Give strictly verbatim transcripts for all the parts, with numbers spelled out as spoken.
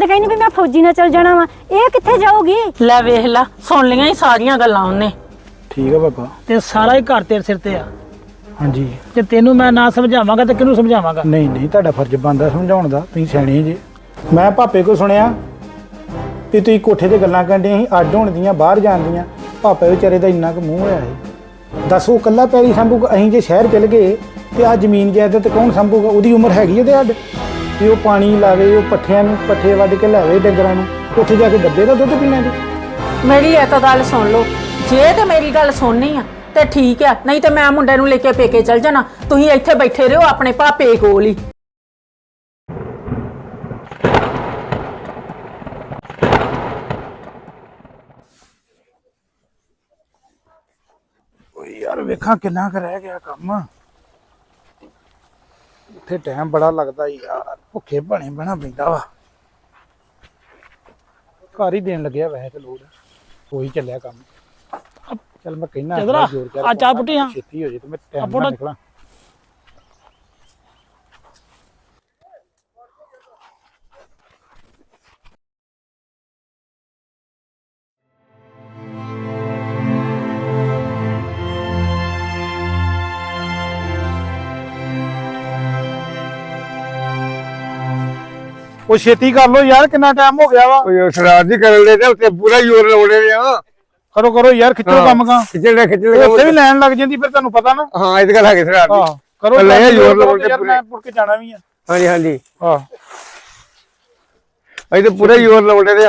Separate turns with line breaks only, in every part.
ਤੇ ਕਹਿੰਦੀ ਵੀ मैं फौजी नाल चल जाना वा ਇਹ ਕਿੱਥੇ ਜਾਊਗੀ
ਲੈ ਵੇਖ ਲਾ ਸੁਣ ਲੀਆਂ ਹੀ ਸਾਰੀਆਂ ਗੱਲਾਂ ਉਹਨੇ
ठीक है पापा
ਤੇ ਸਾਰਾ ਹੀ ਘਰ ਤੇਰੇ ਸਿਰ ਤੇ ਆ
हाँ जी
ਤੇ ਤੈਨੂੰ ਮੈਂ ਨਾ ਸਮਝਾਵਾਂਗਾ ਤੇ ਕਿਹਨੂੰ ਸਮਝਾਵਾਂਗਾ
नहीं नहीं ਤੁਹਾਡਾ ਫਰਜ਼ ਬਣਦਾ ਸਮਝਾਉਣ ਦਾ ਤੁਸੀਂ ਸਿਆਣੇ ਜੇ ਮੈਂ ਭਾਪੇ ਕੋ ਸੁਣਿਆ ਕਿ ਤੁਸੀਂ ਕੋਠੇ ਤੇ ਗੱਲਾਂ ਕਰਦੇ ਸੀ ਅੱਡ ਹੋਣ ਦੀਆਂ ਬਾਹਰ ਜਾਣ ਦੀਆਂ ਭਾਪੇ ਵਿਚਾਰੇ ਦਾ ਇੰਨਾ ਕੁ ਮੂੰਹ ਹੋਇਆ ਸੀ ਦੱਸ ਉਹ ਕੱਲਾ ਪੈਰੀ ਸੰਭੂਗਾ ਅਸੀਂ ਜੇ ਸ਼ਹਿਰ ਚਲ ਗਏ ਤੇ ਆ ਜ਼ਮੀਨ ਜਾਇਦਾਦ ਕੌਣ ਸੰਭੂਗਾ ਉਹਦੀ ਉਮਰ ਹੈਗੀ ਉਹਦੇ ਅੱਡ ਤੇ ਉਹ ਪਾਣੀ ਲਾਵੇ ਉਹ ਪੱਠਿਆਂ ਨੂੰ ਪੱਠੇ ਵੱਢ ਕੇ ਲਾਵੇ ਡੰਗਰਾਂ ਨੂੰ ਉੱਥੇ ਜਾ ਕੇ ਡੱਬੇ ਦਾ ਦੁੱਧ ਪੀਣਾ ਜੀ
ਮੇਰੀ ਇਹ ਤਾਂ ਗੱਲ ਸੁਣ ਲਓ ਜੇ ਤੇ ਮੇਰੀ ਗੱਲ ਸੁਣਨੀ ਆ ਤੇ ਠੀਕ ਆ ਨਹੀਂ ਤੇ ਮੈਂ ਮੁੰਡੇ ਨੂੰ ਲੈ ਕੇ ਪੇਕੇ ਚਲ ਜਾਣਾ ਤੁਸੀਂ ਇੱਥੇ ਬੈਠੇ ਰਹੋ ਆਪਣੇ ਭਾਪੇ ਕੋਲ ਹੀ
ਯਾਰ ਵੇਖਾਂ ਕਿੰਨਾ ਕੁ ਰਹਿ ਗਿਆ ਕੰਮ ਉੱਥੇ ਟਾਈਮ ਬੜਾ ਲੱਗਦਾ ਯਾਰ ਭੁੱਖੇ ਬਣੇ ਬਣਾ ਪੈਂਦਾ ਵਾ ਘਰ ਹੀ ਦੇਣ ਲੱਗਿਆ ਵੈਸੇ ਤੇ ਲੋੜ ਹੋਈ ਚੱਲਿਆ ਕੰਮ ਚੱਲ ਮੈਂ ਕਹਿਣਾ
ਚੰਦਰਾ, ਆ ਚਾਹ ਪੁੱਟੀ ਹਾਂ।
ਛੇਤੀ ਹੋ ਜੇ ਤੇ ਮੈਂ
ਆ
ਟਾਈਮ
ਪੁੱਟ।
ਨਾਲ ਨਿਕਲਾਂ ਉਹ ਛੇਤੀ ਕਰ ਲੋ ਯਾਰ ਕਿੰਨਾ ਟਾਈਮ ਹੋ ਗਿਆ ਵਾ
ਉਹ ਸਰਦਾਰ ਜੀ ਕਰਨ ਦੇ ਤੇ ਉੱਤੇ ਪੂਰਾ ਜ਼ੋਰ ਲਾਉਣੇ ਨੇ ਆ
ਕਰੋ ਕਰੋ ਯਾਰ ਖਿੱਚੋ ਕੰਮ ਕਾ
ਖਿੱਚਣ ਖਿੱਚਣ
ਉੱਥੇ ਵੀ ਲੈਣ ਲੱਗ ਜਾਂਦੀ ਫਿਰ ਤੁਹਾਨੂੰ ਪਤਾ ਨਾ
ਹਾਂ ਇਹ ਤਾਂ ਗੱਲ ਹੈ ਸਰਦਾਰ ਜੀ
ਆਹ ਕਰੋ
ਲੈ
ਕੰਮ,
ਜ਼ੋਰ
ਕਰੋ
ਲਾਉਣ ਤੇ
ਯਾਰ
ਪੂਰੇ।
ਮੈਂ ਮੁੜ ਕੇ ਜਾਣਾ ਵੀ ਆ
ਹਾਂਜੀ ਹਾਂਜੀ
ਆਹ
ਅਸੀਂ ਤਾਂ ਪੂਰਾ ਜ਼ੋਰ ਲਾਉਣੇ ਨੇ ਆ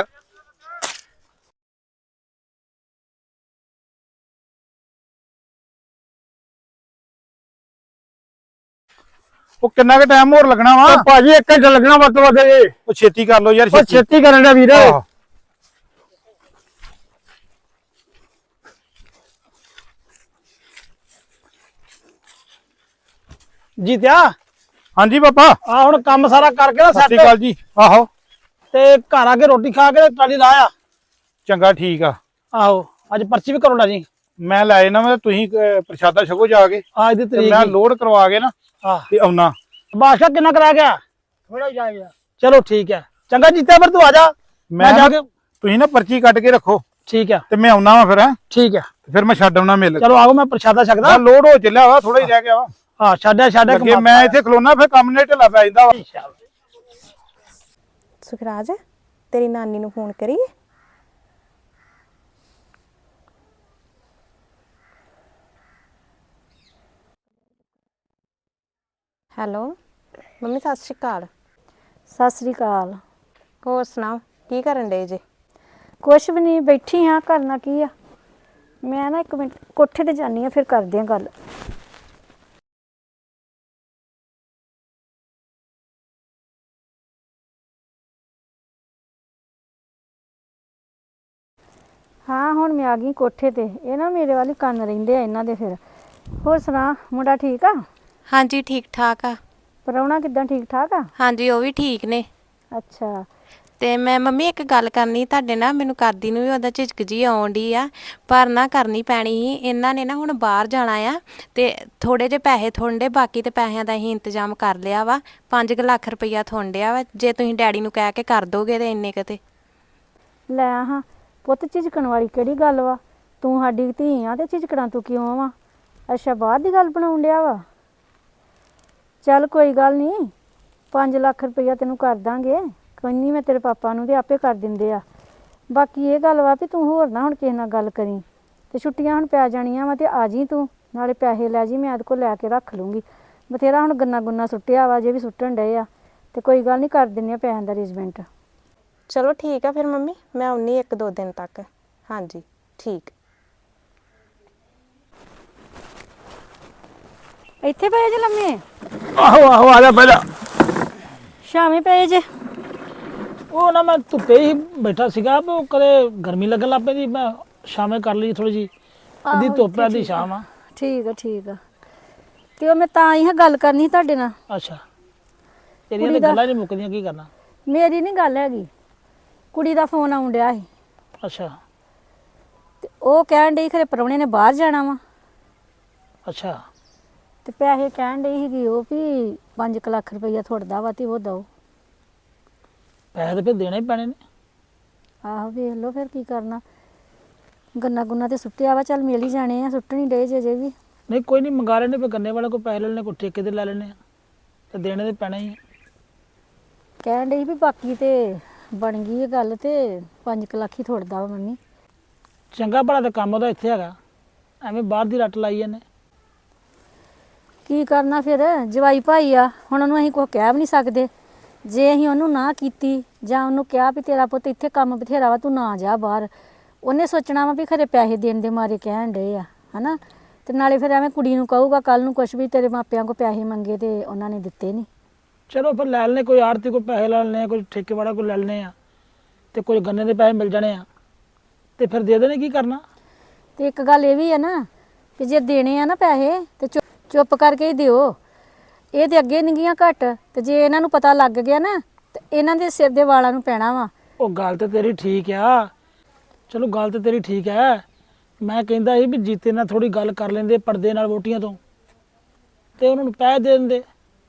ਉਹ ਕਿੰਨਾ ਕੁ ਟਾਈਮ ਹੋਰ ਲੱਗਣਾ ਵਾ
ਉਹ ਭਾਜੀ ਇੱਕ ਘੰਟਾ ਲੱਗਣਾ ਵੱਧ ਤੋਂ ਵੱਧ ਜੀ
ਉਹ ਛੇਤੀ ਕਰ ਲੋ ਯਾਰ
ਉਹ ਛੇਤੀ ਕਰਨ ਦਾ ਵੀਰ
ਆਹ।
ਜੀਤਿਆ
ਹਾਂਜੀ ਪਾਪਾ
ਆ ਹੁਣ ਕੰਮ ਸਾਰਾ ਕਰਕੇ ਨਾ
ਸਤਿ ਸ਼੍ਰੀ
ਸੈੱਟ
ਅਕਾਲ ਜੀ ਆਹੋ
ਤੇ ਘਰ ਆ ਕੇ ਰੋਟੀ ਖਾ ਕੇ ਤੇ ਟਰਾਲੀ ਲਾਇਆ
ਚੰਗਾ ਠੀਕ ਆ
ਆਹੋ ਅੱਜ ਪਰਚੀ ਵੀ ਕਰੋਣਾ ਜੀ
ਮੈਂ ਲੈ ਜਾਣਾ ਮੈਂ ਤੁਸੀਂ ਅਹ, ਪ੍ਰਸ਼ਾਦਾ ਛਕੋ ਜਾ ਕੇ
ਅੱਜ ਦੀ
ਤੇ
ਤਰੀਕ
ਮੈਂ
ਹੀ।
ਲੋਡ ਕਰਵਾ ਕੇ ਨਾ
ਆਹ
ਤੇ ਆਉਣਾ
ਬਾਦਸ਼ਾਹ ਕਿੰਨਾ ਕਰਾ ਗਿਆ ਥੋੜਾ ਜਾ ਗਿਆ ਚਲੋ ਠੀਕ ਹੈ ਚੰਗਾ ਜੀਤਿਆ ਫਿਰ ਤੂੰ ਆ ਜਾ ਮੈਂ ਜਾ ਕੇ
ਤੁਸੀਂ ਨਾ ਪਰਚੀ ਕੱਟ ਕੇ ਰੱਖੋ
ਠੀਕ ਹੈ
ਤੇ ਮੈਂ ਆਉਣਾ ਵਾ ਫਿਰ ਹੈਂ
ਠੀਕ ਹੈ
ਫਿਰ ਮੈਂ ਛੱਡ ਆਉਣਾ ਮਿਲ
ਚਲੋ ਆਓ ਮੈਂ ਪ੍ਰਸ਼ਾਦਾ ਛਕਦਾ
ਆ ਲੋਡ ਹੋ ਚੱਲਿਆ ਵਾ ਥੋੜਾ ਹੀ ਰਹਿ ਗਿਆ ਵਾ
ਹਾਂ ਛੱਡਿਆ ਛੱਡਿਆ
ਅੱਗੇ ਮੈਂ ਇੱਥੇ ਖਲੋਣਾ ਫਿਰ ਕੰਮ ਨੇ ਢਿੱਲਾ ਪੈ ਜਾਂਦਾ ਵਾ
ਸੁਖਰਾਜ ਤੇਰੀ ਨਾਨੀ ਨੂੰ ਫੋਨ ਕਰੀਏ ਹੈਲੋ ਮੰਮੀ ਸਤਿ ਸ਼੍ਰੀ ਅਕਾਲ
ਸਤਿ ਸ੍ਰੀ ਅਕਾਲ
ਹੋਰ ਸੁਣਾਓ ਕੀ ਕਰਨ ਡੇ ਜੇ
ਕੁਛ ਵੀ ਨਹੀਂ ਬੈਠੀ ਹਾਂ ਕਰਨਾ ਕੀ ਆ ਮੈਂ ਨਾ ਇੱਕ ਮਿੰਟ ਕੋਠੇ ਤੇ ਜਾਨੀ ਆ ਫਿਰ ਕਰਦੇ ਆ ਗੱਲ ਹਾਂ ਹੁਣ ਮੈਂ ਆ ਗਈ ਕੋਠੇ ਤੇ ਇਹ ਨਾ ਮੇਰੇ ਵਾਲੀ ਕੰਨ ਰਹਿੰਦੇ ਆ ਇਹਨਾਂ ਦੇ ਫਿਰ ਹੋਰ ਸੁਣਾ ਮੁੰਡਾ ਠੀਕ ਆ
ਹਾਂਜੀ ਠੀਕ ਠਾਕ ਆ
ਪ੍ਰਾਹੁਣਾ ਕਿੱਦਾਂ ਠੀਕ ਠਾਕ ਆ
ਹਾਂਜੀ ਉਹ ਵੀ ਠੀਕ ਨੇ
ਅੱਛਾ
ਤੇ ਮੈਂ ਮੰਮੀ ਇੱਕ ਗੱਲ ਕਰਨੀ ਤੁਹਾਡੇ ਨਾਲ ਮੈਨੂੰ ਕਰਦੀ ਨੂੰ ਵੀ ਉਹਦਾ ਝਿਜਕ ਜੀ ਆਉਣ ਡਈ ਆ ਪਰ ਨਾ ਕਰਨੀ ਪੈਣੀ ਸੀ ਇਹਨਾਂ ਨੇ ਨਾ ਹੁਣ ਬਾਹਰ ਜਾਣਾ ਆ ਤੇ ਥੋੜੇ ਜਿਹੇ ਪੈਸੇ ਥੋੜੇ ਬਾਕੀ ਤੇ ਪੈਸਿਆਂ ਦਾ ਅਸੀਂ ਇੰਤਜ਼ਾਮ ਕਰ ਲਿਆ ਵਾ ਪੰਜ ਕੁ ਲੱਖ ਰੁਪਈਆ ਥੋੜਿਆ ਵਾ ਜੇ ਤੁਸੀਂ ਡੈਡੀ ਨੂੰ ਕਹਿ ਕੇ ਕਰ ਦੋਗੇ ਤੇ ਇੰਨੇ ਕਿਤੇ
ਲੈ ਹਾਂ ਪੁੱਤ ਝਿਜਕਣ ਵਾਲੀ ਕਿਹੜੀ ਗੱਲ ਵਾ ਤੂੰ ਸਾਡੀ ਧੀ ਆ ਤੇ ਝਿਜਕਣਾ ਤੂੰ ਕਿਉਂ ਵਾ ਅੱਛਾ ਬਾਹਰ ਦੀ ਗੱਲ ਬਣਾਉਣ ਡਿਆ ਵਾ ਚੱਲ ਕੋਈ ਗੱਲ ਨਹੀਂ ਪੰਜ ਲੱਖ ਰੁਪਈਆ ਤੈਨੂੰ ਕਰ ਦਾਂਗੇ ਕੋਈ ਨਹੀਂ ਮੈਂ ਤੇਰੇ ਪਾਪਾ ਨੂੰ ਤੇ ਆਪੇ ਕਰ ਦਿੰਦੇ ਆ ਬਾਕੀ ਇਹ ਗੱਲ ਵਾ ਵੀ ਤੂੰ ਹੋਰ ਨਾ ਹੁਣ ਕਿਸੇ ਨਾਲ ਗੱਲ ਕਰੀ ਤੇ ਛੁੱਟੀਆਂ ਹੁਣ ਪੈ ਜਾਣੀਆਂ ਵਾ ਤੇ ਆ ਜੀ ਤੂੰ ਨਾਲੇ ਪੈਸੇ ਲੈ ਜੀ ਮੈਂ ਇਹਦੇ ਕੋਲ ਲੈ ਕੇ ਰੱਖ ਲੂੰਗੀ ਬਥੇਰਾ ਹੁਣ ਗੰਨਾ ਗੁੰਨਾ ਸੁੱਟਿਆ ਵਾ ਜੇ ਵੀ ਸੁੱਟਣ ਡਏ ਆ ਤੇ ਕੋਈ ਗੱਲ ਨਹੀਂ ਕਰ ਦਿੰਦੇ ਆ ਪੈਸਿਆਂ ਦਾ ਅਰੇਂਜਮੈਂਟ
ਚਲੋ ਠੀਕ ਆ ਫਿਰ ਮੰਮੀ ਮੈਂ ਆਉਣੀ ਇੱਕ ਦੋ ਦਿਨ ਤੱਕ ਹਾਂਜੀ ਠੀਕ
ਇੱਥੇ ਪਏ ਜੇ ਲੰਮੇ
ਆਹੋ ਆਹੋ ਆ ਜਾ ਪਹਿਲਾਂ
ਸ਼ਾਮੇ ਪਏ ਜੇ
ਉਹ ਨਾ ਮੈਂ ਧੁੱਪੇ ਹੀ ਬੈਠਾ ਸੀਗਾ ਵੀ ਉਹ ਕਦੇ ਗਰਮੀ ਲੱਗਣ ਲੱਗ ਪੈਂਦੀ ਮੈਂ ਸ਼ਾਮੇ ਕਰ ਲਈ ਥੋੜੀ ਜੀ ਅੱਧੀ ਧੁੱਪ ਅੱਧੀ ਸ਼ਾਮ ਆ
ਠੀਕ ਆ ਠੀਕ ਆ ਤੇ ਉਹ ਮੈਂ ਤਾਂ ਹੀ ਹਾਂ ਗੱਲ ਕਰਨੀ ਤੁਹਾਡੇ ਨਾਲ
ਅੱਛਾ ਤੇਰੀਆਂ ਤਾਂ ਗੱਲਾਂ ਨਹੀਂ ਮੁੱਕਦੀਆਂ ਕੀ ਕਰਨਾ
ਮੇਰੀ ਨਹੀਂ ਗੱਲ ਹੈਗੀ ਕੁੜੀ ਦਾ ਫੋਨ ਆਉਣ ਡਿਆ ਸੀ
ਅੱਛਾ
ਤੇ ਉਹ ਕਹਿਣ ਡਈ ਖਰੇ ਪ੍ਰਾਹੁਣੇ ਨੇ ਬਾਹਰ ਜਾਣਾ ਵਾ
ਅੱਛਾ
ਤੇ ਪੈਸੇ ਕਹਿਣ ਡਈ ਸੀਗੀ ਉਹ ਵੀ ਪੰਜ ਕੁ ਲੱਖ ਰੁਪਈਆ ਥੋੜਦਾ ਵਾ ਤੇ ਉਹ ਦਓ
ਪੈਸੇ ਤਾਂ ਫਿਰ ਦੇਣੇ ਹੀ ਪੈਣੇ ਨੇ।
ਆਹੋ ਵੇਖ ਲਓ ਫਿਰ ਕੀ ਕਰਨਾ। ਗੰਨਾ ਗੁੰਨਾ ਤੇ ਸੁੱਟਿਆ ਵਾ, ਚੱਲ ਮਿਲ ਹੀ ਜਾਣੇ ਆ, ਸੁੱਟਣੀ ਡੇ ਜੇ ਜੇ ਵੀ।
ਨਹੀਂ ਕੋਈ ਨਹੀਂ, ਮੰਗਾ ਲੈਣੇ, ਫਿਰ ਗੰਨੇ ਵਾਲੇ ਕੋਲ ਪੈਸੇ ਲੈ ਲੈਣੇ, ਕੋਈ ਠੇਕੇ ਤੇ ਲੈ ਲੈਣੇ ਆ, ਤੇ ਦੇਣੇ ਤੇ ਪੈਣੇ ਹੀ ਆ।
ਕਹਿਣ ਡਈ ਵੀ ਬਾਕੀ ਤੇ ਬਣ ਗਈ ਇਹ ਗੱਲ, ਤੇ ਪੰਜ ਕੁ ਲੱਖ ਹੀ ਥੋੜਦਾ ਵਾ ਮੰਮੀ।
ਚੰਗਾ ਭਲਾ ਤਾਂ ਕੰਮ ਉਹਦਾ ਇੱਥੇ ਹੈਗਾ, ਐਵੇਂ ਬਾਹਰ ਦੀ ਰੱਟ ਲਾਈ ਜਾਂਦੇ।
ਕੀ ਕਰਨਾ ਫਿਰ, ਜਵਾਈ ਭਾਈ ਆ, ਹੁਣ ਉਹਨੂੰ ਅਸੀਂ ਕੁਛ ਕਹਿ ਵੀ ਨਹੀਂ ਸਕਦੇ। ਜੇ ਅਸੀਂ ਉਹਨੂੰ ਨਾ ਕੀਤੀ ਜਾਂ ਉਹਨੂੰ ਕਿਹਾ ਵੀ ਤੇਰਾ ਪੁੱਤ ਇੱਥੇ ਕੰਮ ਬਥੇਰਾ ਵਾ, ਤੂੰ ਨਾ ਜਾ ਬਾਹਰ, ਉਹਨੇ ਸੋਚਣਾ ਵਾ ਵੀ ਖਰੇ ਪੈਸੇ ਦੇਣ ਦੇ ਮਾਰੇ ਕਹਿਣ ਡਏ ਆ, ਹਨਾ। ਤੇ ਨਾਲੇ ਫਿਰ ਐਵੇਂ ਕੁੜੀ ਨੂੰ ਕਹੂਗਾ ਕੱਲ ਨੂੰ ਕੁਛ ਵੀ, ਤੇਰੇ ਮਾਪਿਆਂ ਕੋਲ ਪੈਸੇ ਮੰਗੇ ਤੇ ਉਹਨਾਂ ਨੇ ਦਿੱਤੇ ਨਹੀਂ।
ਚਲੋ ਫਿਰ ਲੈ ਲੈਣੇ, ਕੋਈ ਆੜਤੀ ਕੋਲ ਪੈਸੇ ਲੈ ਲੈਣੇ ਆ, ਕੋਈ ਠੇਕੇ ਵਾਲਾ ਕੋਲ ਲੈ ਲੈਣੇ ਆ, ਤੇ ਕੋਈ ਗੰਨੇ ਦੇ ਪੈਸੇ ਮਿਲ ਜਾਣੇ ਆ, ਤੇ ਫਿਰ ਦੇ ਦੇਣੇ। ਕੀ ਕਰਨਾ।
ਤੇ ਇੱਕ ਗੱਲ ਇਹ ਵੀ ਹੈ ਨਾ ਕਿ ਜੇ ਦੇਣੇ ਆ ਨਾ ਪੈਸੇ ਤੇ ਚੁੱਪ ਚੁੱਪ ਕਰਕੇ ਹੀ ਦਿਓ। ਇਹ ਤੇ ਅੱਗੇ ਨਿੰਗੀਆਂ ਘੱਟ, ਤੇ ਜੇ ਇਹਨਾਂ ਨੂੰ ਪਤਾ ਲੱਗ ਗਿਆ ਨਾ ਤੇ ਇਹਨਾਂ ਦੇ ਸਿਰ ਦੇ ਵਾਲਾਂ ਨੂੰ ਪੈਣਾ ਵਾ।
ਉਹ ਗੱਲ ਤੇ ਤੇਰੀ ਠੀਕ ਆ, ਚਲੋ ਗੱਲ ਤੇ ਤੇਰੀ ਠੀਕ ਹੈ। ਮੈਂ ਕਹਿੰਦਾ ਸੀ ਵੀ ਜੀਤੇ ਨਾਲ ਥੋੜੀ ਗੱਲ ਕਰ ਲੈਂਦੇ ਪਰਦੇ ਨਾਲ ਵੋਟੀਆਂ ਤੋਂ, ਤੇ ਉਹਨਾਂ ਨੂੰ ਪੈਸੇ ਦੇ ਦਿੰਦੇ।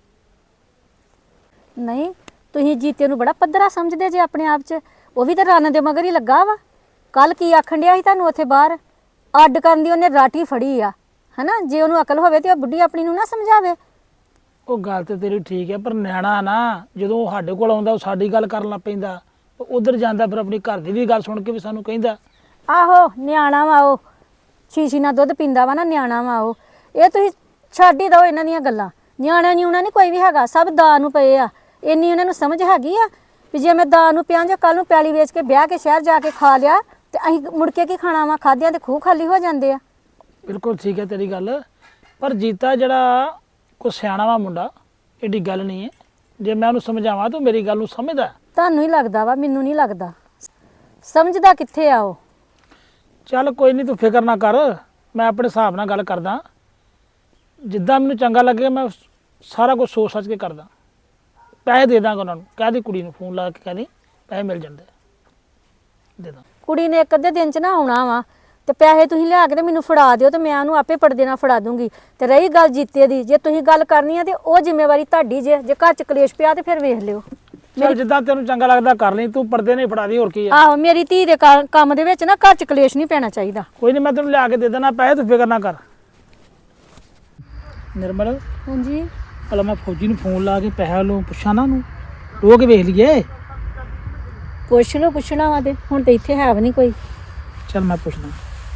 ਨਹੀਂ, ਤੁਸੀਂ ਜੀਤੇ ਨੂੰ ਬੜਾ ਪੱਧਰਾ ਸਮਝਦੇ ਜੇ ਆਪਣੇ ਆਪ 'ਚ। ਉਹ ਵੀ ਤਾਂ ਰਨ ਦੇ ਮਗਰ ਹੀ ਲੱਗਾ ਵਾ। ਕੱਲ ਕੀ ਆਖਣ ਡਿਆ ਸੀ ਤੁਹਾਨੂੰ ਉੱਥੇ ਬਾਹਰ, ਅੱਡ ਕਰਨ ਦੀ ਉਹਨੇ ਰਾਟੀ ਫੜੀ ਆ, ਹਨਾ। ਜੇ ਉਹਨੂੰ ਅਕਲ ਹੋਵੇ ਤੇ ਉਹ ਬੁੱਢੀ ਆਪਣੀ ਨੂੰ ਨਾ ਸਮਝਾਵੇ।
ਉਹ ਗੱਲ ਤੇ ਤੇਰੀ ਠੀਕ ਹੈ, ਪਰ ਨਿਆਣਾ ਨਾ ਜਦੋਂ ਉਹ ਸਾਡੇ ਕੋਲ ਆਉਂਦਾ, ਉਹ ਸਾਡੀ ਗੱਲ ਕਰਨ ਲੱਗ ਪੈਂਦਾ, ਉਧਰ ਜਾਂਦਾ ਫਿਰ ਆਪਣੀ ਘਰ ਦੀ ਵੀ ਗੱਲ ਸੁਣ ਕੇ ਵੀ ਸਾਨੂੰ ਕਹਿੰਦਾ।
ਆਹੋ ਨਿਆਣਾ ਵਾ ਉਹ, ਸ਼ੀਸ਼ੀ ਨਾਲ ਦੁੱਧ ਪੀਂਦਾ ਵਾ ਨਾ, ਨਿਆਣਾ ਵਾ ਉਹ। ਇਹ ਤੁਸੀਂ ਛੱਡ ਹੀ ਦਿਓ ਇਹਨਾਂ ਦੀਆਂ ਗੱਲਾਂ। ਨਿਆਣਿਆਂ ਨਹੀਂ ਉਹਨਾਂ ਨਹੀਂ ਕੋਈ ਵੀ ਹੈਗਾ, ਸਭ ਦਾ ਨੂੰ ਪਏ ਆ। ਇੰਨੀ ਉਹਨਾਂ ਨੂੰ ਸਮਝ ਹੈਗੀ ਆ ਵੀ ਜੇ ਮੈਂ ਦਾ ਨੂੰ ਪਿਆ ਜਾਂ ਕੱਲ ਨੂੰ ਪੈਲੀ ਵੇਚ ਕੇ ਵਿਆਹ ਕੇ ਸ਼ਹਿਰ ਜਾ ਕੇ ਖਾ ਲਿਆ ਤੇ ਅਸੀਂ ਮੁੜ ਕੇ ਕੀ ਖਾਣਾ ਵਾ, ਖਾਦਿਆਂ ਤੇ ਖੂਹ ਖਾਲੀ ਹੋ ਜਾਂਦੇ ਆ।
ਬਿਲਕੁਲ ਠੀਕ ਹੈ ਤੇਰੀ ਗੱਲ, ਪਰ ਜੀਤਾ ਜਿਹੜਾ ਕੋਈ ਸਿਆਣਾ ਵਾ ਮੁੰਡਾ, ਏਡੀ ਗੱਲ ਨਹੀਂ ਹੈ। ਜੇ ਮੈਂ ਉਹਨੂੰ ਸਮਝਾਵਾਂ ਤਾਂ ਮੇਰੀ ਗੱਲ ਨੂੰ ਸਮਝਦਾ।
ਤੁਹਾਨੂੰ ਹੀ ਲੱਗਦਾ ਵਾ, ਮੈਨੂੰ ਨਹੀਂ ਲੱਗਦਾ। ਸਮਝਦਾ ਕਿੱਥੇ ਆ ਉਹ।
ਚੱਲ ਕੋਈ ਨਹੀਂ, ਤੂੰ ਫਿਕਰ ਨਾ ਕਰ, ਮੈਂ ਆਪਣੇ ਹਿਸਾਬ ਨਾਲ ਗੱਲ ਕਰਦਾ, ਜਿੱਦਾਂ ਮੈਨੂੰ ਚੰਗਾ ਲੱਗੇ ਮੈਂ ਸਾਰਾ ਕੁਝ ਸੋਚ ਸੱਚ ਕੇ ਕਰਦਾ। ਪੈਸੇ ਦੇ ਦਾਂਗਾ ਉਹਨਾਂ ਨੂੰ, ਕਹਿ ਦੀ ਕੁੜੀ ਨੂੰ ਫੋਨ ਲਾ ਕੇ ਕਹਿ ਦੀ ਪੈਸੇ ਮਿਲ ਜਾਂਦੇ, ਦੇ ਦਾਂ।
ਕੁੜੀ ਨੇ ਇੱਕ ਅੱਧੇ ਦਿਨ 'ਚ ਨਾ ਆਉਣਾ ਵਾ, ਤੇ ਪੈਸੇ ਤੁਸੀਂ ਲਿਆ ਕੇ ਤੇ ਮੈਨੂੰ ਫੜਾ ਦਿਓ, ਤੇ ਮੈਂ ਉਹਨੂੰ ਆਪੇ ਪੜਦੇ ਨਾਲ ਫੜਾ ਦੂੰਗੀ। ਤੇ ਰਹੀ ਗੱਲ ਜੀਤੇ ਦੀ, ਜੇ ਤੁਸੀਂ ਗੱਲ ਕਰਨੀ ਆ ਤੇ ਉਹ ਜ਼ਿੰਮੇਵਾਰੀ ਤੁਹਾਡੀ ਜੇ ਜੇ ਘਰ 'ਚ ਕਲੇਸ਼ ਪਿਆ ਤੇ ਫਿਰ ਵੇਖ ਲਿਓ।
ਚੱਲ ਜਿੱਦਾਂ ਤੈਨੂੰ ਚੰਗਾ ਲੱਗਦਾ ਕਰ ਲਈ, ਤੂੰ ਪਰਦੇ ਨਹੀਂ ਫੜਾ ਦੀ, ਹੋਰ ਕੀ ਹੈ।
ਆਹੋ, ਮੇਰੀ ਧੀ ਦੇ ਕਾ- ਕੰਮ ਦੇ ਵਿੱਚ ਨਾ ਘਰ 'ਚ ਕਲੇਸ਼ ਨਹੀਂ ਪੈਣਾ ਚਾਹੀਦਾ।
ਕੋਈ ਨਹੀਂ, ਮੈਂ ਤੈਨੂੰ ਲਿਆ ਕੇ ਦੇ ਦੇਣਾ ਪੈਸੇ, ਤੂੰ ਫਿਕਰ ਨਾ ਕਰ। ਨਿਰਮਲ,
ਹਾਂਜੀ,
ਭਲਾ ਮੈਂ ਫੌਜੀ ਨੂੰ ਫੋਨ ਲਾ ਕੇ ਪੈਸੇ ਲੋ ਪੁੱਛਾਂ ਨਾ, ਉਹਨੂੰ ਰੋ ਕੇ ਵੇਖ ਲਈਏ।
ਪੁੱਛ ਲਓ, ਪੁੱਛਣਾ ਵਾ ਤੇ ਹੁਣ ਤੇ ਇੱਥੇ ਹੈ ਵੀ ਨਹੀਂ ਕੋਈ।
ਚੱਲ ਮੈਂ ਪੁੱਛਦਾ।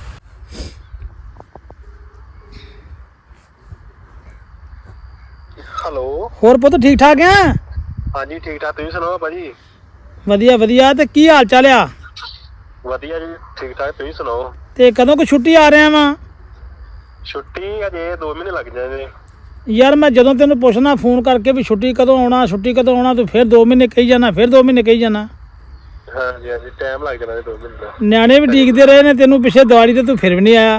ਹੈਲੋ,
ਹੋਰ ਪੁੱਤ ਠੀਕ ਠਾਕ ਆ?
ਹਾਂਜੀ ਠੀਕ ਠਾਕ, ਤੁਸੀਂ ਸੁਣਾਓ ਭਾਜੀ?
ਵਧੀਆ ਵਧੀਆ, ਤੇ ਕੀ ਹਾਲ ਚਾਲ ਆ?
ਵਧੀਆ ਜੀ, ਠੀਕ ਠਾਕ, ਤੁਸੀਂ ਸੁਣਾਓ?
ਤੇ ਕਦੋਂ ਕੋ ਛੁੱਟੀ ਆ ਰਿਹਾ ਵਾ?
ਛੁੱਟੀ ਅਜੇ ਦੋ ਮਹੀਨੇ ਲੱਗ ਜਾਣੇ।
ਯਾਰ ਮੈਂ ਜਦੋਂ ਤੈਨੂੰ ਪੁੱਛਣਾ ਫੋਨ ਕਰਕੇ ਵੀ ਛੁੱਟੀ ਕਦੋਂ ਆਉਣਾ, ਛੁੱਟੀ ਕਦੋਂ ਆਉਣਾ, ਤੂੰ ਫਿਰ ਦੋ ਮਹੀਨੇ ਕਹੀ ਜਾਣਾ, ਫਿਰ ਦੋ ਮਹੀਨੇ ਕਹੀ ਜਾਣਾ।
ਹਾਂਜੀ ਹਾਂਜੀ, ਟਾਈਮ ਲੱਗ ਜਾਣਾ ਜੀ ਦੋ ਮਹੀਨੇ ਦਾ।
ਨਿਆਣੇ ਵੀ ਡੀਕਦੇ ਰਹੇ ਨੇ ਤੈਨੂੰ ਪਿੱਛੇ ਦਿਵਾਲੀ ਤੇ, ਤੂੰ ਫਿਰ ਵੀ ਨਹੀਂ ਆਇਆ।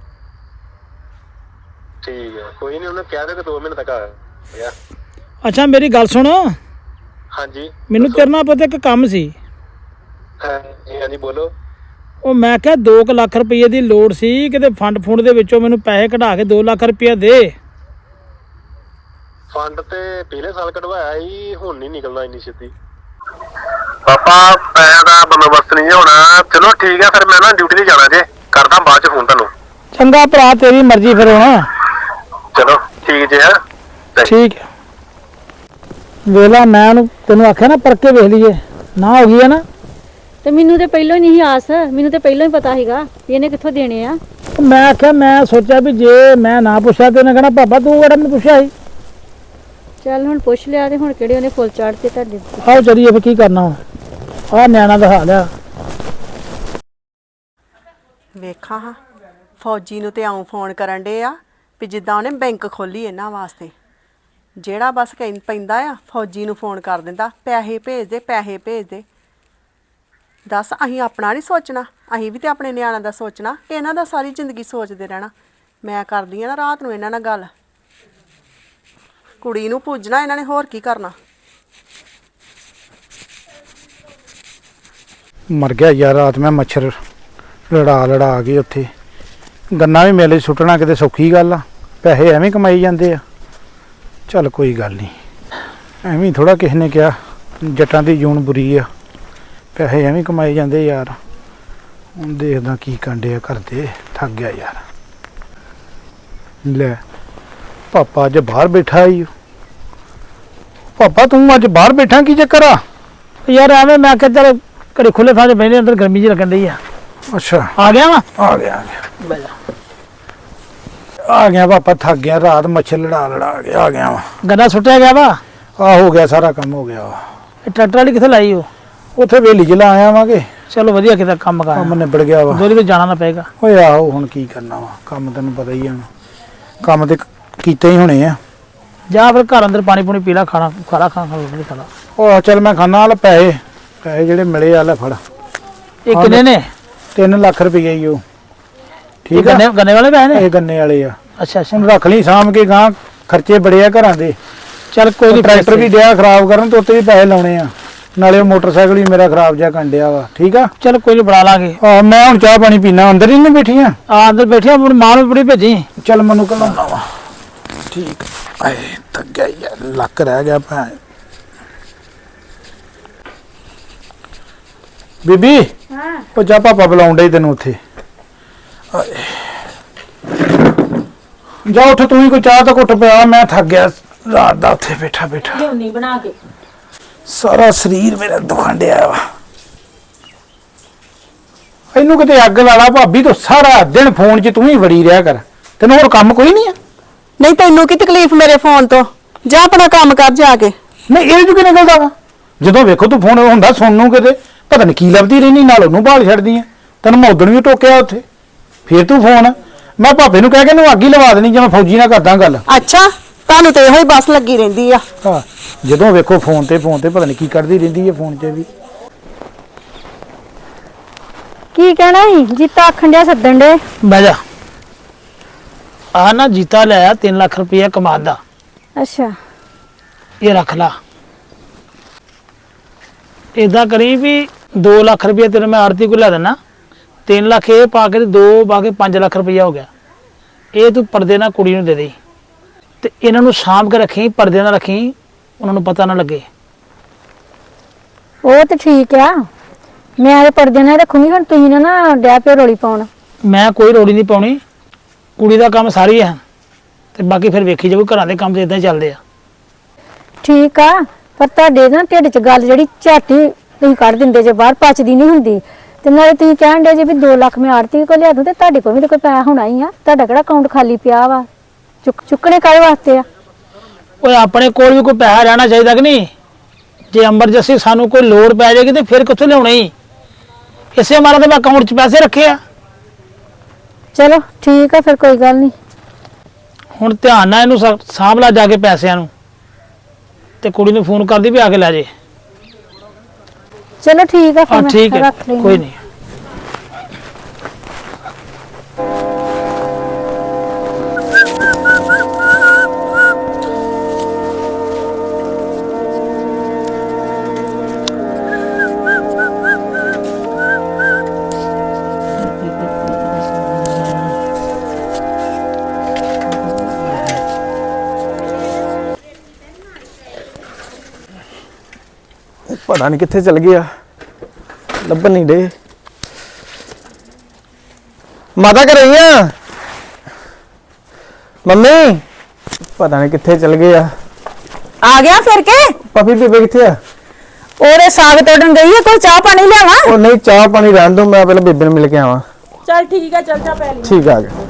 ਠੀਕ ਹੈ, ਕੋਈ ਨਹੀਂ, ਉਹਨੇ ਕਹਿ ਦੇ ਕਿ ਦੋ ਮਹੀਨੇ ਤੱਕ ਆ ਗਿਆ।
ਅੱਛਾ ਮੇਰੀ ਗੱਲ ਸੁਣ,
ਹਾਂਜੀ
ਮੈਨੂੰ ਤੇਰੇ ਨਾਲ ਪਤਾ ਇੱਕ ਕੰਮ ਸੀ।
ਹਾਂਜੀ ਹਾਂਜੀ, ਬੋਲੋ।
ਉਹ ਮੈਂ ਕਿਹਾ ਦੋ ਕੁ ਲੱਖ ਰੁਪਏ ਦੀ ਲੋੜ ਸੀ, ਕਿਤੇ ਫੰਡ ਫੁੰਡ ਦੇ ਵਿੱਚੋਂ ਮੈਨੂੰ ਪੈਸੇ ਕਢਾ ਕੇ ਦੋ ਲੱਖ ਰੁਪਇਆ ਦੇ।
ਫੰਡ ਤੇ ਪਿਛਲੇ ਸਾਲ ਕਢਵਾਇਆ ਸੀ, ਹੁਣ ਨਹੀਂ ਨਿਕਲਣਾ ਇੰਨੀ ਛੇਤੀ। ਪਾਪਾ ਪੈਸੇ ਦਾ ਬੰਦੋਬਸਤ ਨਹੀਂ ਹੋਣਾ। ਚਲੋ ਠੀਕ ਹੈ, ਫਿਰ ਮੈਂ ਨਾ ਡਿਊਟੀ ਤੇ ਜਾਣਾ ਜੇ, ਕਰਦਾ ਬਾਅਦ ਚ ਫੋਨ ਤੁਹਾਨੂੰ।
ਚੰਗਾ ਭਰਾ, ਤੇਰੀ ਮਰਜ਼ੀ ਫਿਰ ਹੁਣ।
ਚਲੋ ਠੀਕ ਜੇ। ਹੈ
ਠੀਕ ਹੈ, ਵੇਲਾ ਮੈਂ ਉਹਨੂੰ ਤੈਨੂੰ ਆਖਿਆ ਨਾ ਪਰਕੇ ਵੇਖ ਲਈਏ, ਨਾ ਹੋ ਗਈ ਹੈ ਨਾ।
ਤੇ ਮੈਨੂੰ ਤੇ ਪਹਿਲਾਂ ਹੀ ਨਹੀਂ ਆਸ, ਮੈਨੂੰ ਤੇ ਪਹਿਲਾਂ ਹੀ ਪਤਾ ਸੀਗਾ ਵੀ ਇਹਨੇ ਕਿੱਥੋਂ ਦੇਣੇ ਆ।
ਮੈਂ ਆਖਿਆ, ਮੈਂ ਸੋਚਿਆ ਵੀ ਜੇ ਮੈਂ ਨਾ ਪੁੱਛਿਆ ਤੇ ਉਹਨੇ ਕਹਿਣਾ ਪਾਪਾ ਤੂੰ ਕਿਹੜਾ ਮੈਨੂੰ ਪੁੱਛਿਆ ਸੀ।
ਚੱਲ ਹੁਣ ਪੁੱਛ ਲਿਆ, ਤੇ ਹੁਣ ਕਿਹੜੇ ਉਹਨੇ ਫੁੱਲ ਚਾੜਤੇ ਤੁਹਾਡੇ।
ਆਓ ਚਲੀਏ ਫਿਰ, ਕੀ ਕਰਨਾ ਹੁਣ, ਆਹ ਨਿਆਣਾ ਦਾ ਹਾਲ ਆ।
ਵੇਖਾਂ ਹਾਂ, ਫੌਜੀ ਨੂੰ ਤੇ ਆਉਂ ਫੋਨ ਕਰਨ ਡੇ ਆ ਵੀ ਜਿੱਦਾਂ ਉਹਨੇ ਬੈਂਕ ਖੋਲੀ ਇਹਨਾਂ ਵਾਸਤੇ। ਜਿਹੜਾ ਬਸ ਕਹਿੰ ਪੈਂਦਾ ਆ ਫੌਜੀ ਨੂੰ ਫੋਨ ਕਰ ਦਿੰਦਾ, ਪੈਸੇ ਭੇਜ ਦੇ, ਪੈਸੇ ਭੇਜ ਦੇ। ਦੱਸ, ਅਸੀਂ ਆਪਣਾ ਨਹੀਂ ਸੋਚਣਾ? ਅਸੀਂ ਵੀ ਤੇ ਆਪਣੇ ਨਿਆਣਿਆਂ ਦਾ ਸੋਚਣਾ, ਇਹਨਾਂ ਦਾ ਸਾਰੀ ਜ਼ਿੰਦਗੀ ਸੋਚਦੇ ਰਹਿਣਾ। ਮੈਂ ਕਰਦੀ ਆ ਨਾ ਰਾਤ ਨੂੰ ਇਹਨਾਂ ਨਾਲ ਗੱਲ, ਕੁੜੀ ਨੂੰ ਪੂਜਣਾ ਇਹਨਾਂ ਨੇ, ਹੋਰ ਕੀ ਕਰਨਾ।
ਮਰ ਗਿਆ ਯਾਰ, ਰਾਤ ਮੈਂ ਮੱਛਰ ਲੜਾ ਲੜਾ ਕੇ ਉੱਥੇ। ਗੰਨਾ ਵੀ ਮੇਲੇ 'ਚ ਸੁੱਟਣਾ ਕਿਤੇ ਸੌਖੀ ਗੱਲ ਆ, ਪੈਸੇ ਐਵੇਂ ਕਮਾਈ ਜਾਂਦੇ ਆ। ਚੱਲ ਕੋਈ ਗੱਲ ਨਹੀਂ, ਐਵੇਂ ਥੋੜਾ ਕਿਸੇ ਨੇ ਕਿਹਾ ਜੱਟਾਂ ਦੀ ਜੂਨ ਬੁਰੀ ਆ, ਪੈਸੇ ਐਵੇਂ ਕਮਾਏ ਜਾਂਦੇ ਯਾਰ। ਹੁਣ ਦੇਖਦਾ ਕੀ ਕਾਂਡੇ ਆ ਕਰਦੇ, ਥੱਕ ਗਿਆ ਯਾਰ। ਲੈ ਪਾਪਾ ਅੱਜ ਬਾਹਰ ਬੈਠਾ ਈ ਓ। ਪਾਪਾ ਤੂੰ ਅੱਜ ਬਾਹਰ ਬੈਠਾ, ਕੀ ਚੱਕਰ ਆ?
ਯਾਰ ਐਵੇਂ ਮੈਂ ਕਿਹਾ ਚੱਲ ਘਰੇ ਖੁੱਲੇ ਥਾਂ 'ਚ ਬਹਿਨੇ, ਅੰਦਰ ਗਰਮੀ ਜੀ ਲੱਗਣ ਡਈ ਆ।
ਅੱਛਾ
ਆ ਗਿਆ ਵਾ
ਆ ਗਿਆ ਆ ਗਿਆ ਆ ਗਿਆ ਪਾਪਾ, ਥੱਕ ਗਿਆ, ਰਾਤ ਮੱਛਰ ਲੜਾ ਲੜਾ ਕੇ ਆ ਗਿਆ ਵਾ।
ਗੰਨਾ ਸੁੱਟਿਆ ਗਿਆ ਵਾ।
ਆ ਹੋ ਗਿਆ, ਸਾਰਾ ਕੰਮ ਹੋ ਗਿਆ ਵਾ।
ਇਹ ਟਰੈਕਟਰ ਵਾਲੀ ਕਿੱਥੇ ਲਾਈ ਉਹ?
ਉੱਥੇ ਵੇਲੀ ਚ ਲਾ ਆਇਆ ਵਾਂਗੇ,
ਚਲੋ ਵਧੀਆ ਕਿਤੇ ਕੰਮ ਕਰ,
ਕੰਮ ਨਿਬੜ ਗਿਆ ਵਾ।
ਦੋਰੀ ਤੇ ਜਾਣਾ ਨਾ ਪਏਗਾ।
ਓਏ ਆਹੋ ਹੁਣ ਕੀ ਕਰਨਾ ਵਾ, ਕੰਮ ਤੈਨੂੰ ਪਤਾ ਹੀ ਆ ਹੁਣ, ਕੰਮ ਤੇ ਕੀਤੇ ਹੀ ਹੋਣੇ ਆ।
ਜਾਂ ਫਿਰ ਘਰ ਅੰਦਰ ਪਾਣੀ ਪੂਣੀ ਪੀ ਲਾ, ਖਾਣਾ ਖਾਣਾ ਖਾਣਾ ਰੋਟੀ ਖਾ ਲਾ।
ਉਹ ਚੱਲ ਮੈਂ ਖਾਣਾ, ਵਾਲਾ ਪੈਸੇ ਪੈਸੇ ਜਿਹੜੇ ਮਿਲੇ ਆ ਲੈ ਫੜ।
ਇਹ ਕਿੰਨੇ ਨੇ?
ਤਿੰਨ ਲੱਖ ਰੁਪਏ ਹੀ ਉਹ।
ਇਹ
ਠੀਕ ਆ,
ਗੰਨੇ ਗੰਨੇ ਵਾਲੇ ਪੈਸੇ ਨੇ?
ਇਹ ਗੰਨੇ ਵਾਲੇ ਆ।
ਅੱਛਾ ਅੱਛਾ,
ਹੁਣ ਰੱਖ ਲਈ ਸਾਂਭ ਕੇ, ਗਾਂ ਖਰਚੇ ਬੜੇ ਆ ਘਰਾਂ ਦੇ।
ਚੱਲ ਕੋਈ ਨਹੀਂ,
ਟਰੈਕਟਰ ਵੀ ਡਿਆ ਖਰਾਬ ਕਰਨ ਤੇ ਉੱਤੇ ਵੀ ਪੈਸੇ ਲਾਉਣੇ ਆ, ਨਾਲੇ ਉਹ ਮੋਟਰਸਾਈਕਲ ਵੀ ਮੇਰਾ ਖਰਾਬ ਜਿਹਾ ਕੰਡਿਆ ਵਾ। ਠੀਕ ਆ,
ਚਲ ਕੋਈ ਨਹੀਂ, ਬਣਾ ਲਾਂਗੇ।
ਆ ਮੈਂ ਹੁਣ ਚਾਹ ਪਾਣੀ ਪੀਣਾ, ਅੰਦਰ ਹੀ ਨਹੀਂ ਬੈਠੀਆਂ?
ਆ ਅੰਦਰ ਬੈਠੇ ਆਪਣੀ ਮਾਂ ਨੂੰ ਬੜੀ ਭੇਜੀ।
ਚੱਲ ਮੈਨੂੰ ਘਲਾਉਣਾ ਵਾ। ਠੀਕ ਆਏ ਤੱਕ ਗਿਆ ਯਾਰ, ਲੱਕ ਰਹਿ ਗਿਆ ਭੈਣ। ਬੀਬੀ
ਹਾਂ
ਉਹ ਜਾ, ਪਾਪਾ ਬੁਲਾਉਂਦਾ ਹੀ ਤੈਨੂੰ ਉੱਥੇ। ਆਏ। ਜਾ ਉੱਠ ਤੂੰ ਹੀ, ਕੋਈ ਚਾਹ ਤਾਂ ਘੁੱਟ ਪਿਆ, ਮੈਂ ਥੱਕ ਗਿਆ ਰਾਤ ਦਾ ਉੱਥੇ ਬੈਠਾ ਬੈਠਾ।
ਲਿਆਉਣੀ ਬਣਾ ਕੇ।
ਸਾਰਾ ਸਰੀਰ ਮੇਰਾ ਦੁਖਣ ਡਿਆ ਵਾ। ਇਹਨੂੰ ਕਿਤੇ ਅੱਗ ਲਾ ਲਾ ਭਾਬੀ, ਤੂੰ ਸਾਰਾ ਦਿਨ ਫੋਨ 'ਚ ਤੂੰ ਹੀ ਵੜੀ ਰਿਹਾ ਕਰ, ਤੈਨੂੰ ਹੋਰ ਕੰਮ ਕੋਈ ਨਹੀਂ ਆ?
ਨਹੀਂ ਤੈਨੂੰ ਕੀ ਤਕਲੀਫ ਮੇਰੇ ਫੋਨ ਤੋਂ? ਜਾ ਆਪਣਾ ਕੰਮ ਕਰ ਜਾ ਕੇ।
ਨਹੀਂ ਇਹ 'ਚੋਂ ਕੀ ਨਿਕਲਦਾ ਵਾ? ਜਦੋਂ ਵੇਖੋ ਤੂੰ ਫੋਨ ਹੁੰਦਾ ਸੁਣਨ ਨੂੰ, ਕਿਤੇ ਪਤਾ ਨਹੀਂ ਕੀ ਲੱਭਦੀ ਰਹਿੰਦੀ, ਨਾਲ ਉਹਨੂੰ ਭਾਲ ਛੱਡਦੀ ਆ। ਤੈਨੂੰ ਮੈਂ ਉਦਣ ਵੀ ਟੋਕਿਆ ਉੱਥੇ, ਫੇਰ ਤੂੰ ਫੋਨ। ਮੈਂ ਭਾਪੇ ਨੂੰ ਕਹਿ ਕੇ ਇਹਨੂੰ ਅੱਗ ਹੀ ਲਵਾ ਦੇਣੀ, ਜੇ ਮੈਂ ਫੌਜੀ ਨਾਲ ਕਰਦਾ ਗੱਲ।
ਅੱਛਾ, ਤੁਹਾਨੂੰ ਤੇ ਇਹੋ ਹੀ ਬਸ ਲੱਗੀ ਰਹਿੰਦੀ ਆ।
ਹਾਂ, ਜਦੋਂ ਵੇਖੋ ਫੋਨ ਤੇ ਫੋਨ ਤੇ ਪਤਾ ਨਹੀਂ ਕੀ ਕਰਦੀ ਰਹਿੰਦੀ ਹੈ ਫੋਨ 'ਚ ਵੀ।
ਕੀ ਕਹਿਣਾ ਸੀ? ਜੀਤਾ ਆਖਣ ਡਿਆ ਸੱਦਣ ਡੇ।
ਬਹਿ ਜਾ। ਆ ਨਾ ਜੀਤਾ ਲਿਆ ਤਿੰਨ ਲੱਖ ਰੁਪਇਆ ਕਮਾਦ ਦਾ,
ਅੱਛਾ
ਇਹ ਰੱਖ ਲਾ। ਏਦਾਂ ਕਰੀ ਵੀ ਦੋ ਲੱਖ ਰੁਪਇਆ ਤੇਰੇ ਮੈਂ ਆੜਤੀ ਕੋ ਲੈ ਦੇਣਾ, ਤਿੰਨ ਲੱਖ ਇਹ ਪਾ ਕੇ ਤੇ ਦੋ ਪਾ ਕੇ ਪੰਜ ਲੱਖ ਰੁਪਇਆ ਹੋ ਗਿਆ। ਇਹ ਤੂੰ ਪਰਦੇ ਨਾਲ ਕੁੜੀ ਨੂੰ ਦੇ ਦੇ, ਤੇ ਇਹਨਾਂ ਨੂੰ ਸਾਂਭ ਕੇ ਰੱਖੀ, ਪਰਦੇ ਨਾਲ ਰੱਖੀ, ਉਹਨਾਂ ਨੂੰ ਪਤਾ ਨਾ ਲੱਗੇ।
ਉਹ ਤੇ ਠੀਕ ਆ, ਮੈਂ ਤੇ ਪਰਦੇ ਨਾਲ ਰੱਖੂੰਗੀ। ਹੁਣ ਤੁਸੀਂ ਨਾ ਨਾ ਡੈ ਪਿਓ ਰੋਲੀ ਪਾਉਣ।
ਮੈਂ ਕੋਈ ਰੋੜੀ ਨਹੀਂ ਪਾਉਣੀ, ਕੁੜੀ ਦਾ ਕੰਮ ਸਾਰੀ ਹੈ, ਤੇ ਬਾਕੀ ਫਿਰ ਵੇਖੀ ਜਾਊ। ਘਰਾਂ ਦੇ ਕੰਮ ਤੇ ਇਦਾਂ ਹੀ ਚੱਲਦੇ ਆ।
ਠੀਕ ਆ, ਪਰ ਤੁਹਾਡੇ ਨਾ ਢਿੱਡ 'ਚ ਗੱਲ ਜਿਹੜੀ ਝਾਟੀ ਤੁਸੀਂ ਕੱਢ ਦਿੰਦੇ ਜੇ, ਬਾਹਰ ਪਚਦੀ ਨਹੀਂ ਹੁੰਦੀ। ਤੇ ਨਾਲੇ ਤੁਸੀਂ ਕਹਿਣ ਡੇ ਜੇ ਵੀ ਦੋ ਲੱਖ ਮੈਂ ਆੜਤੀ ਕੋਲ ਲਿਆ ਦੂੰ, ਤੇ ਤੁਹਾਡੇ ਕੋਲ ਵੀ ਤਾਂ ਕੋਈ ਪੈਸਾ ਹੋਣਾ ਹੀ ਆ। ਤੁਹਾਡਾ ਕਿਹੜਾ ਅਕਾਊਂਟ ਖਾਲੀ ਪਿਆ ਵਾ? ਚੁੱਕ ਚੁੱਕਣੇ ਕਾਹਦੇ ਵਾਸਤੇ ਆ?
ਓਏ ਆਪਣੇ ਕੋਲ ਵੀ ਕੋਈ ਪੈਸਾ ਰਹਿਣਾ ਚਾਹੀਦਾ ਕਿ ਨਹੀਂ? ਜੇ ਐਮਰਜੈਂਸੀ ਸਾਨੂੰ ਕੋਈ ਲੋੜ ਪੈ ਜਾਏਗੀ ਤੇ ਫਿਰ ਕਿੱਥੋਂ ਲਿਆਉਣੇ ਹੀ? ਇਸੇ ਮਾਰਾ ਤੇ ਮੈਂ ਅਕਾਊਂਟ 'ਚ ਪੈਸੇ ਰੱਖੇ ਆ।
ਚਲੋ ਠੀਕ ਆ, ਫਿਰ ਕੋਈ ਗੱਲ ਨਹੀਂ।
ਹੁਣ ਧਿਆਨ ਨਾਲ ਇਹਨੂੰ ਸਾ- ਸਾਂਭ ਲਾ ਜਾ ਕੇ ਪੈਸਿਆਂ ਨੂੰ, ਤੇ ਕੁੜੀ ਨੂੰ ਫੋਨ ਕਰਦੀ ਵੀ ਆ ਕੇ ਲੈ ਜੇ।
ਚਲੋ ਠੀਕ ਆ,
ਹਾਂ
ਫਿਰ
ਠੀਕ
ਮੈਂ
ਹੈ,
ਰੱਖ ਲਈ।
ਕੋਈ ਨਹੀਂ।
ਪਤਾ ਨਹੀਂ ਕਿੱਥੇ ਚਲ ਗਿਆ, ਲੱਭਣ ਨਹੀਂ ਡੇ। ਮਾਤਾ ਕਰ ਰਹੀ ਆ ਮੰਮੀ, ਪਤਾ ਨਹੀਂ ਕਿੱਥੇ ਚਲ ਗਏ ਆ।
ਆ ਗਿਆ ਫਿਰ ਕੇ?
ਪਪੀ ਬੀਬੇ ਕਿੱਥੇ ਆ?
ਉਹਦੇ ਸਾਗ ਤੋੜਨ ਗਈ ਹੈ, ਕੋਈ ਚਾਹ ਪਾਣੀ ਲਿਆਵਾਂ?
ਉਹ ਨਹੀਂ, ਚਾਹ ਪਾਣੀ ਰਹਿਣ ਦੋ, ਮੈਂ ਪਹਿਲਾਂ ਬੀਬੇ ਨੂੰ ਮਿਲ ਕੇ ਆਵਾਂ।
ਚੱਲ ਠੀਕ ਹੈ, ਚੱਲ ਜਾ ਪੈ ਲਈ।
ਠੀਕ ਆ ਗਿਆ।